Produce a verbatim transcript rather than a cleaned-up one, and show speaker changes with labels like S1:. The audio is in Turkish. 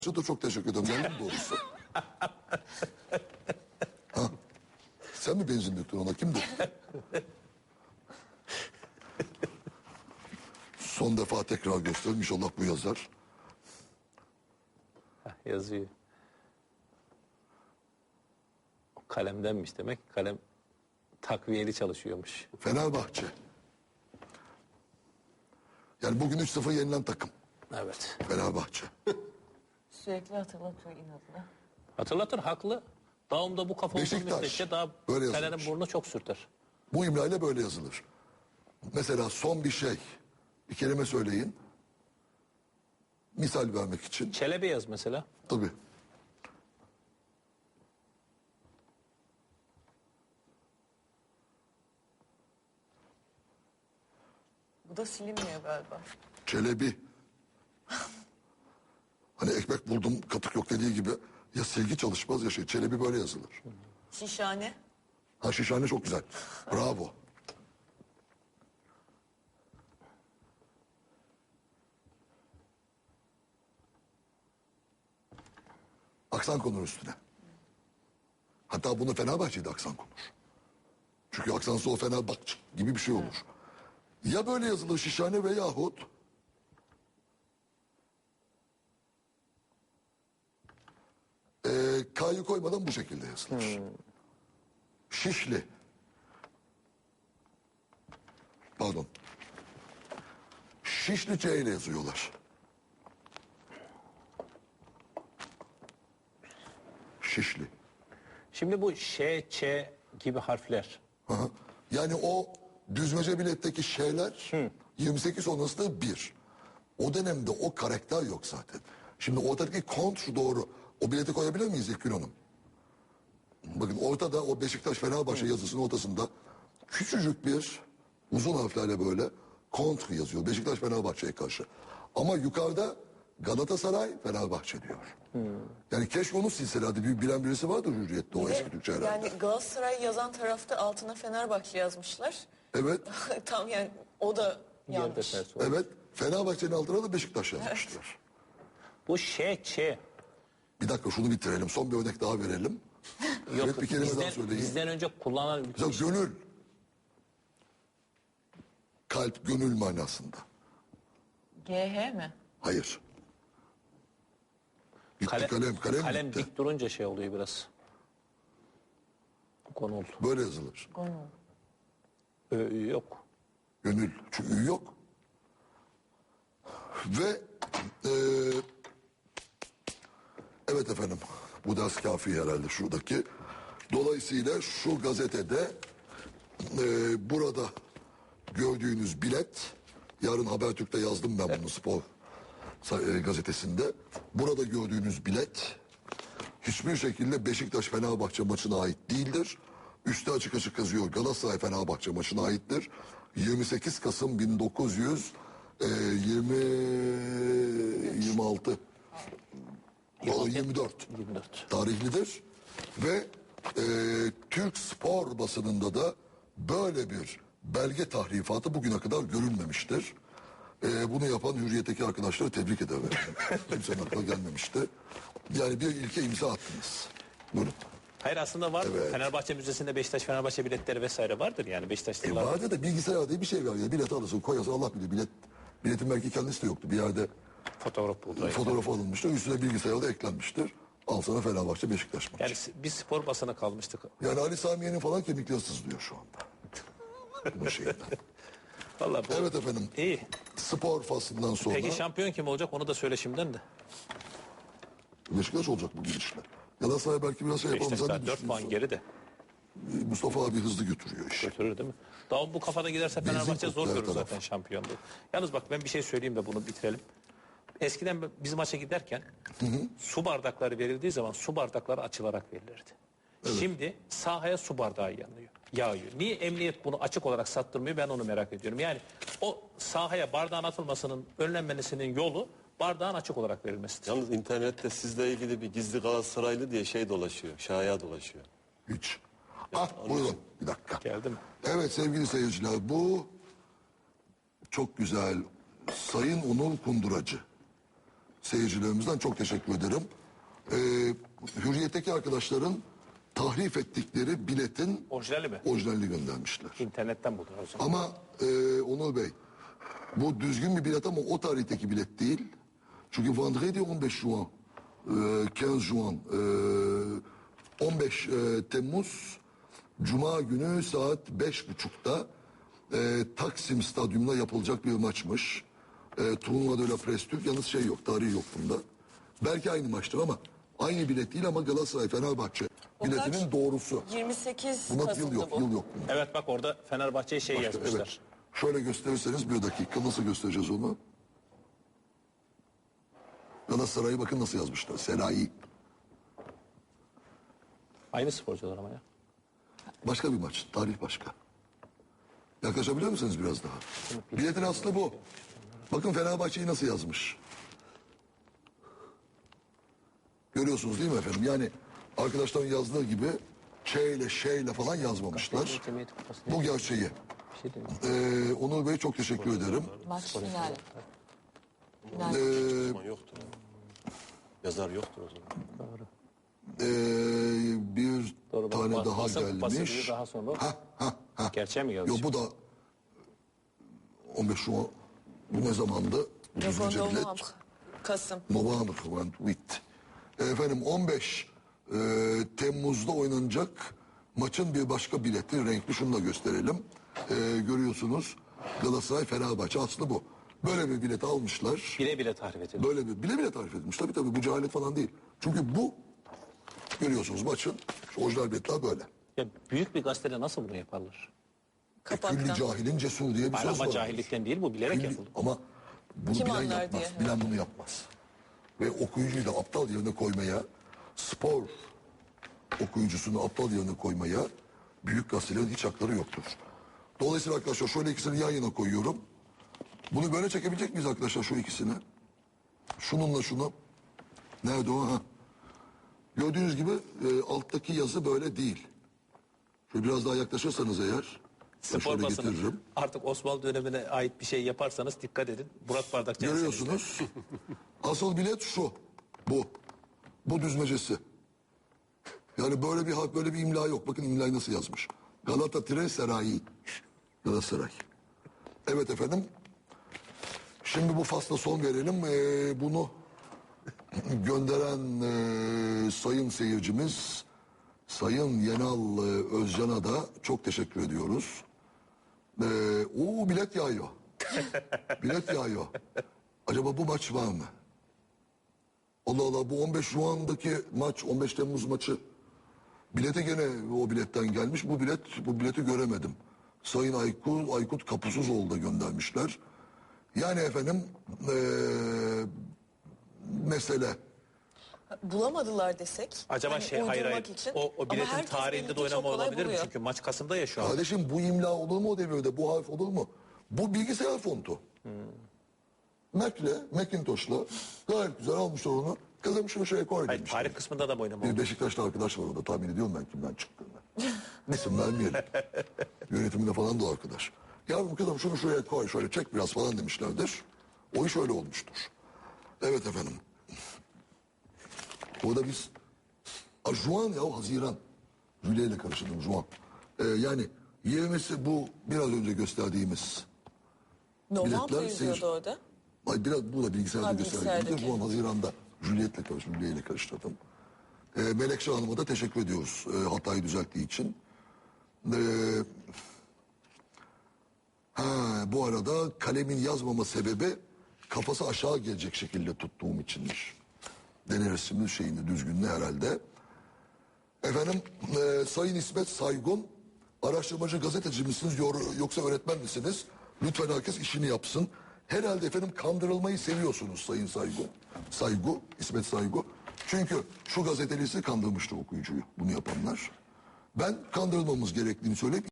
S1: da çok teşekkür ederim. Geldim doğrusu. Ha. Sen mi benzin döktün ona? Kimdi? Son defa tekrar gösterelim. İnşallah bu yazar.
S2: Heh, yazıyor. Kalemdenmiş demek. Kalem takviyeli çalışıyormuş.
S1: Fenerbahçe. Yani bugün üç sıfır yenilen takım.
S2: Evet.
S1: Fenerbahçe.
S3: Sürekli hatırlatıyor inadına.
S2: Hatırlatır, haklı. Dağımda bu kafa olduğu
S1: Beşiktaş,
S2: müddetçe daha
S1: böyle
S2: Fener'in
S1: yazılmış.
S2: burnu çok sürter.
S1: Bu imlayla böyle yazılır. Mesela son bir şey. Bir kelime söyleyin. Misal vermek için.
S2: Çelebi yaz mesela.
S1: Tabii.
S3: Bu da silinmiyor galiba.
S1: Çelebi. Hani ekmek buldum katık yok dediği gibi ya silgi çalışmaz ya şey. Çelebi böyle yazılır.
S3: Şişhane.
S1: Ha şişhane çok güzel. Bravo. Aksan konur üstüne. Hatta bunu Fenerbahçe'de aksan konur. Çünkü aksansız o Fenerbahçe gibi bir şey olur. Ya böyle yazılır şişhane veyahut e, K'yı koymadan bu şekilde yazılır.
S2: Hmm.
S1: Şişli. Pardon. Şişli C ile yazıyorlar. Şişli.
S2: Şimdi bu Ş, Ç gibi harfler.
S1: Aha. Yani o düzmece biletteki şeyler yirmi sekiz sonrası da bir. O dönemde o karakter yok zaten. Şimdi ortadaki kontr doğru. O bileti koyabilir miyiz İlkgün Hanım? Bakın ortada o Beşiktaş Fenerbahçe yazısının ortasında küçücük bir uzun harflerle böyle kontr yazıyor. Beşiktaş Fenerbahçe'ye karşı. Ama yukarıda Galatasaray Fenerbahçe diyor. Yani keşke onu silselerdi. Bir bilen birisi vardır Hürriyet'te o
S3: Bir de
S1: eski Türkçe herhalde.
S3: yani Galatasaray yazan tarafta altına Fenerbahçe yazmışlar.
S1: Evet.
S3: Tam yani o da
S2: Yerde
S3: yanlış.
S2: ters oldu.
S1: Evet. Fenerbahçe'nin altına da Beşiktaş yazmışlar.
S2: Bu Ş, Ç.
S1: Bir dakika şunu bitirelim. Son bir örnek daha verelim.
S2: Yok,
S1: Evet, bir kelime
S2: bizden,
S1: daha söyleyin.
S2: bizden önce kullanan
S1: Mesela gönül. Kalp, gönül manasında.
S3: G H mi?
S1: Hayır. Bitti
S2: Kale-
S1: kalem, kalem,
S2: kalem
S1: bitti.
S2: dik durunca şey oluyor biraz. Konul.
S1: Böyle yazılır.
S3: Gönül.
S2: Ö, Ü yok.
S1: Gönül. Çünkü ü yok. Ve eee, evet efendim bu ders kafi herhalde şuradaki. Dolayısıyla şu gazetede eee, burada gördüğünüz bilet, yarın Habertürk'te yazdım ben bunu spor sa- e, gazetesinde. Burada gördüğünüz bilet hiçbir şekilde Beşiktaş Fenerbahçe maçına ait değildir. Üstü açık açık yazıyor Galatasaray Fenerbahçe maçına aittir. yirmi sekiz Kasım bin dokuz yüz yirmi yirmi altı yirmi dört
S2: yirmi dört.
S1: tarihlidir ve e, Türk spor basınında da böyle bir belge tahrifatı bugüne kadar görülmemiştir. E, bunu yapan Hürriyet'teki arkadaşları tebrik ederim. Kimsenin aklına gelmemişti. Yani bir ilke imza attınız. Buyurun.
S2: Hayır aslında var.
S1: Evet.
S2: Fenerbahçe Müzesi'nde Beşiktaş Fenerbahçe biletleri vesaire vardır yani
S1: E
S2: Beşiktaşlılar.
S1: vardı da bilgisayar diye bir şey var ya. Bilet alırsın koyarsın Allah bilir. Bilet, biletin belki kendisi de yoktu. Bir yerde
S2: Fotoğraf buldu.
S1: fotoğraf alınmıştır. Üstüne bilgisayarda eklenmiştir. Al sana Fenerbahçe Beşiktaş maçı.
S2: Yani biz spor basına kalmıştık.
S1: Yani Ali Samiye'nin falan kemikleri sızlıyor şu anda. Bu şeyden.
S2: Vallahi bu
S1: Evet efendim.
S2: iyi.
S1: Spor faslından sonra
S2: Peki şampiyon kim olacak onu da söyle şimdiden de.
S1: Beşiktaş olacak bu gidişle. Galatasaray belki biraz şey yapalım.
S2: Beşiktaş
S1: Sen
S2: daha
S1: ne
S2: dört puan
S1: düşünüyorsun?
S2: geride.
S1: Mustafa abi hızlı götürüyor işi.
S2: Götürür değil mi? Daha bu kafada giderse
S1: Benzin
S2: Fenerbahçe zor
S1: koktu her
S2: görür
S1: taraf.
S2: zaten şampiyonluğu. Yalnız bak ben bir şey söyleyeyim de bunu bitirelim. Eskiden biz maça giderken su bardakları verildiği zaman su bardakları açılarak verilirdi. Şimdi sahaya su bardağı yanıyor, yağıyor. Niye emniyet bunu açık olarak sattırmıyor ben onu merak ediyorum. Yani o sahaya bardağın atılmasının önlenmesinin yolu bardağın açık olarak verilmesidir.
S4: Yalnız internette sizle ilgili bir gizli Galatasaraylı diye şey dolaşıyor. Şaya dolaşıyor.
S1: Hiç. Ah buyurun bir dakika.
S2: Geldi mi?
S1: Evet sevgili seyirciler bu çok güzel Sayın Onur Kunduracı. seyircilerimizden çok teşekkür ederim. Ee, Hürriyet'teki arkadaşların tahrif ettikleri biletin
S2: Orijinali mi?
S1: orijinalini göndermişler.
S2: İnternetten buldum o zaman.
S1: Ama e, Onur Bey, bu düzgün bir bilet ama o tarihteki bilet değil. Çünkü Vendredi on beş Juin, e, on beş Juin, e, on beş e, Temmuz, Cuma günü saat beş buçukta e, Taksim Stadyumunda yapılacak bir maçmış. E, Turnuva de la Presse Türk, yalnız şey yok, tarihi yok bunda. Belki aynı maçtır ama aynı bilet değil ama Galatasaray Fenerbahçe
S3: O
S1: biletinin
S3: kaç?
S1: doğrusu.
S3: yirmi sekiz
S1: Buna yıl
S3: Kasım'dı
S1: yok,
S3: bu.
S1: yıl yok. bunda.
S2: Evet bak orada Fenerbahçe'ye şey
S1: Başka,
S2: yazmışlar.
S1: evet. Şöyle gösterirseniz bir dakika nasıl göstereceğiz onu? Galatasaray'ı bakın nasıl yazmışlar. Selahi.
S2: Aynı sporcular ama ya.
S1: Başka bir maç. Tarih başka. Yaklaşabiliyor musunuz biraz daha? Biletin aslı bu. Bakın Fenerbahçe'yi nasıl yazmış. Görüyorsunuz değil mi efendim? Yani arkadaşların yazdığı gibi Ç ile Ş ile falan yazmamışlar. Bu gerçeği.
S2: Bir şey diyeyim.
S1: Ee, Onur Bey çok teşekkür ederim.
S3: Maç finali. Final.
S1: Ee,
S4: O zaman yoktur. yani. Yazar yoktur o zaman.
S2: Doğru.
S1: ee, bir
S2: Doğru. bak,
S1: tane
S2: bas-
S1: daha
S2: basın kupası
S1: gelmiş.
S2: diye daha sonra.
S1: Ha, ha, ha.
S2: Gerçeğe mi
S1: Yo
S2: yazmış?
S1: bu da on beş Şubat. Bu ne zamandı? Bu
S3: Yok,
S1: düzgünce bilet.
S3: November. Kasım.
S1: November and with. Efendim on beş e, Temmuz'da oynanacak maçın bir başka bileti renkli, şunu da gösterelim. E, görüyorsunuz Galatasaray Fenerbahçe aslı bu. Böyle bir bilet almışlar.
S2: Bile bile tahrif edildi.
S1: Böyle bir bile bile tarif edilmiş. Tabii tabii bu cehalet falan değil. Çünkü bu görüyorsunuz maçın şu orijinal biletler böyle.
S2: Ya büyük bir gazetede nasıl bunu yaparlar?
S1: Külli
S3: Kapaktan.
S1: cahilin cesur diye bir
S2: Hayır,
S1: söz
S2: ama
S1: var.
S2: cahillikten değil bu bilerek
S1: Külli-
S2: yapıldı.
S1: Ama bunu
S3: Kim
S1: bilen
S3: anlar
S1: yapmaz.
S3: diye,
S1: Bilen bunu yapmaz. Ve okuyucuyu da aptal yerine koymaya, spor okuyucusunu aptal yerine koymaya büyük gazetelerin hiç hakları yoktur. Dolayısıyla arkadaşlar şöyle ikisini yan yana koyuyorum. Bunu böyle çekebilecek miyiz arkadaşlar şu ikisini? Şununla şunu. Nerede o? Ha. Gördüğünüz gibi e, alttaki yazı böyle değil. Şöyle biraz daha yaklaşırsanız eğer. ben
S2: Spor
S1: şöyle
S2: basını
S1: getiririm.
S2: artık Osmanlı dönemine ait bir şey yaparsanız dikkat edin. Murat Bardakçı
S1: Görüyorsunuz. Asıl bilet şu. Bu. Bu düzmecesi. Yani böyle bir harf, böyle bir imla yok. Bakın imlayı nasıl yazmış. Galata Tire Serayi. Galatasaray. Evet efendim. Şimdi bu fasla son verelim. Ee, bunu gönderen e, sayın seyircimiz Sayın Yenal e, Özcan'a da çok teşekkür ediyoruz. Ee, o bilet yağıyor. Bilet yağıyor. Acaba bu maç var mı? Allah Allah, bu on beş Şubat'daki maç, on beş Temmuz maçı bilete gene o biletten gelmiş. Bu bilet, bu bileti göremedim. Sayın Aykut, Aykut Kapusuz da göndermişler. Yani efendim eee, mesele
S3: Bulamadılar desek.
S2: Acaba
S3: hani
S2: şey hayır
S3: uydurmak
S2: hayır.
S3: için.
S2: O, o
S3: Ama
S2: biletin
S3: herkes
S2: tarihinde de
S3: belli ki çok
S2: oynama
S3: kolay
S2: olabilir mi?
S3: buluyor.
S2: Çünkü maç Kasım'da ya şu an.
S1: kardeşim bu imla olur mu o devirde? Bu harf olur mu? Bu bilgisayar fontu. Mac'le, Macintosh'la gayet güzel almışlar onu. Kızım şunu şuraya koy
S2: Hayır,
S1: demişler.
S2: tarih kısmında da mı oynama
S1: Bir
S2: oldu?
S1: Beşiktaşlı arkadaş var orada, tahmin ediyorum ben kimden çıktığını. İsim vermeyelim. Yönetiminde falan da o arkadaş. Yavrum kızım şunu şuraya koy, şöyle çek biraz falan demişlerdir. O iş öyle olmuştur. Evet efendim. Orada biz Aa, Juan ya Haziran. Jüle ile karıştırdım Juan. Ee, yani yirmisi bu biraz önce gösterdiğimiz.
S3: November
S1: biletler
S3: yazıyordu
S1: seyir-
S3: orada.
S1: Ay biraz bu da bilgisayarda
S3: Ha,
S1: gösterdiğimde
S3: bilgisayardaki.
S1: Juan Haziran'da Juliet'le karıştırdım. Jüle ile karıştırdım. Ee, Melekşe Hanım'a da teşekkür ediyoruz e, hatayı düzelttiği için. Ee, ha, bu arada kalemin yazmama sebebi kafası aşağı gelecek şekilde tuttuğum içinmiş. Deneriz şimdi şeyini düzgünlüğü herhalde. Efendim e, Sayın İsmet Saygun, araştırmacı gazeteci misiniz yor- yoksa öğretmen misiniz? Lütfen herkes işini yapsın. Herhalde efendim kandırılmayı seviyorsunuz Sayın Saygun. Saygu, İsmet Saygu. Çünkü şu gazetelisi kandırmıştı okuyucuyu bunu yapanlar. Ben kandırılmamız gerektiğini söyleyip